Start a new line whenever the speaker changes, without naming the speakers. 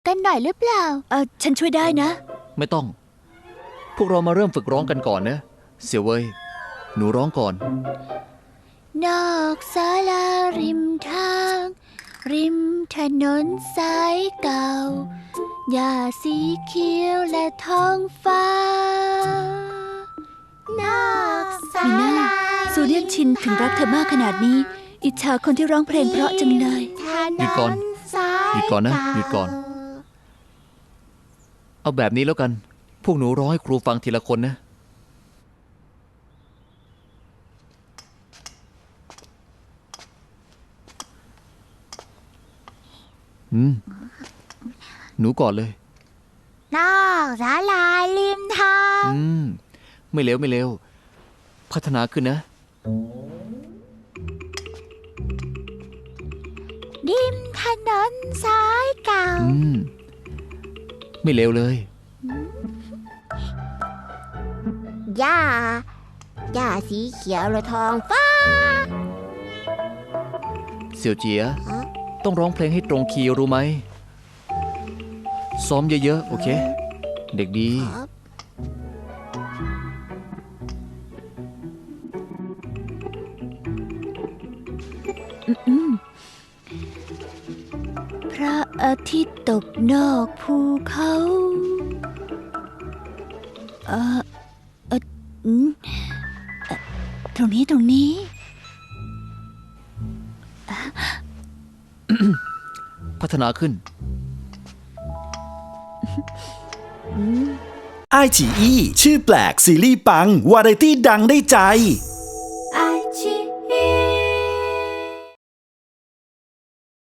กันหน่อยหรือเปล่า
ฉันช่วยได้นะ
ไม่ต้องพวกเรามาเริ่มฝึกร้องกันก่อนนะเสี่ยวเว่ยหนูร้องก่อน
นอกศาลาริมทางริมถนนสายเก่าหญ้าสีเขียวและท้องฟ้านอกศา
มีหน้า
ลา
ซูเรียนชินถึงรักเธอมากขนาดนี้ อิจฉาคนที่ร้องเพลงเพราะจังเลย
หยุดก่อนหยุดก่อนนะหยุดก่อนเอาแบบนี้แล้วกันพวกหนูร้องให้ครูฟังทีละคนนะหนูก่อนเลย
นอกศาลาริมทาง
ไม่เร็วไม่เร็วพัฒนาขึ้นนะ
ริมถนนสายเก่า
ไม่เร็วเลย
หญ้าสีเขียวและท้องฟ้า
เสี่ยวเจียต้องร้องเพลงให้ตรงคีย์รู้ไหมซ้อมเยอะๆโอเคเด็กดี
พระอาทิตย์ตกนอกภูเขาตรงนี้
พัฒนาขึ้น
ไอฉีอีชื่อแปลกซีรีส์ปังวาไรตี้ดังได้ใจ